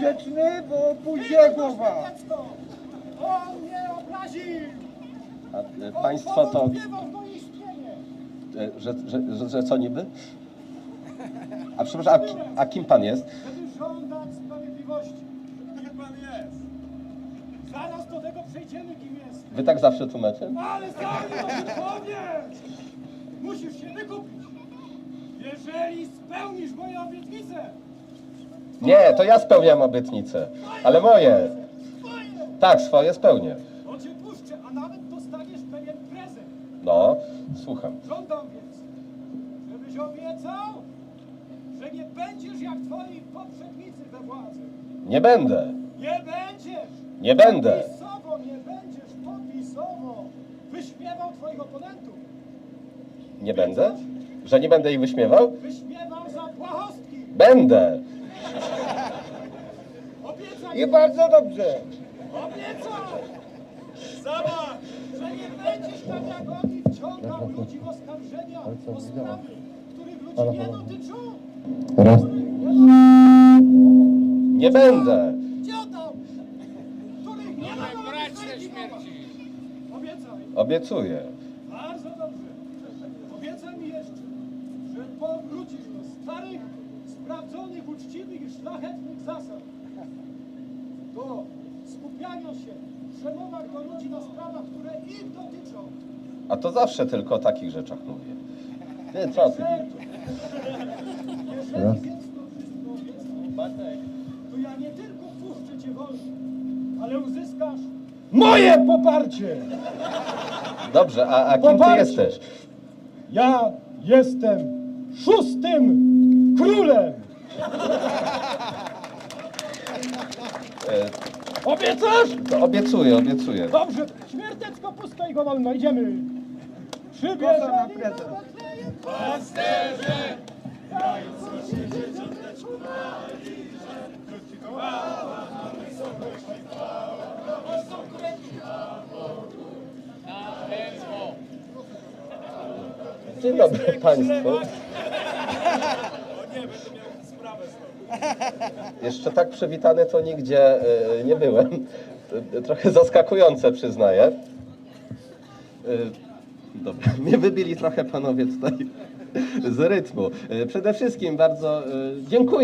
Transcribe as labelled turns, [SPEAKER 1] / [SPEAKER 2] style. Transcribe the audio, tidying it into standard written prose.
[SPEAKER 1] grzeczny, bo pójdzie głowa.
[SPEAKER 2] On mnie obraził!
[SPEAKER 3] A państwo to...
[SPEAKER 2] Powątpiewał w moje istnienie!
[SPEAKER 3] Że co niby? A przepraszam, a kim pan jest?
[SPEAKER 2] Żeby żądać sprawiedliwości. Kim pan jest? Zaraz do tego przejdziemy, kim jest.
[SPEAKER 3] Wy tak zawsze tłumaczycie?
[SPEAKER 2] Ale zanim o tym powiesz, musisz się wykupić. Jeżeli spełnisz moje obietnice,
[SPEAKER 3] Nie, to ja spełniam obietnice, ale moje.
[SPEAKER 2] twoje,
[SPEAKER 3] Tak, swoje spełnię.
[SPEAKER 2] to cię puszczę, a nawet dostaniesz pewien prezent.
[SPEAKER 3] No, słucham.
[SPEAKER 2] Żądam więc, żebyś obiecał, że nie będziesz jak twoi poprzednicy we władzy.
[SPEAKER 3] Nie będę.
[SPEAKER 2] Nie będziesz!
[SPEAKER 3] Nie będę.
[SPEAKER 2] Popisowo nie będziesz, popisowo wyśmiewał twoich oponentów.
[SPEAKER 3] Nie będę? Że nie będę ich wyśmiewał?
[SPEAKER 2] Wyśmiewał za błahostki.
[SPEAKER 3] Będę.
[SPEAKER 2] Obiecaj,
[SPEAKER 1] I bardzo dobrze.
[SPEAKER 2] obiecaj! Zobacz, że nie będziesz tak jak oni wciągał ludzi w oskarżenia o sprawy, których ludzi nie dotyczą.
[SPEAKER 3] Raz.
[SPEAKER 2] Których
[SPEAKER 3] Nie będę.
[SPEAKER 2] dziadom, których nie ma sprawiedliwości. Obiecaj.
[SPEAKER 3] Obiecuję.
[SPEAKER 2] Bardzo dobrze. Obiecaj mi jeszcze, że powrócisz do starych, sprawdzonych, uczciwych i szlachetnych zasad. Do skupiania się w przemowach do ludzi na sprawach, które ich dotyczą.
[SPEAKER 3] A to zawsze tylko o takich rzeczach mówię. Ty, co ty?
[SPEAKER 2] Jeżeli więc to wszystko obiecał, to ja nie tylko puszczę cię wolno, ale uzyskasz moje poparcie.
[SPEAKER 3] Dobrze, a kim ty
[SPEAKER 2] Poparcie.
[SPEAKER 3] jesteś?
[SPEAKER 2] Ja jestem szóstym królem. Obiecasz?
[SPEAKER 3] To obiecuję, obiecuję.
[SPEAKER 2] Dobrze, śmiertecko pusto i go wolno, idziemy.
[SPEAKER 1] Kosa na
[SPEAKER 2] Przybierzeli
[SPEAKER 1] prezent.
[SPEAKER 2] na Betlejem pasterze, jajco się dzieciątka czumali, że krótki kołała na wysokość chwała, prosto kręciła Bogu na węzło.
[SPEAKER 3] Dzień dobry państwu. Jeszcze tak przywitany to nigdzie nie byłem. Trochę zaskakujące, przyznaję. Dobra, mnie wybili trochę panowie tutaj z rytmu. Przede wszystkim bardzo dziękuję.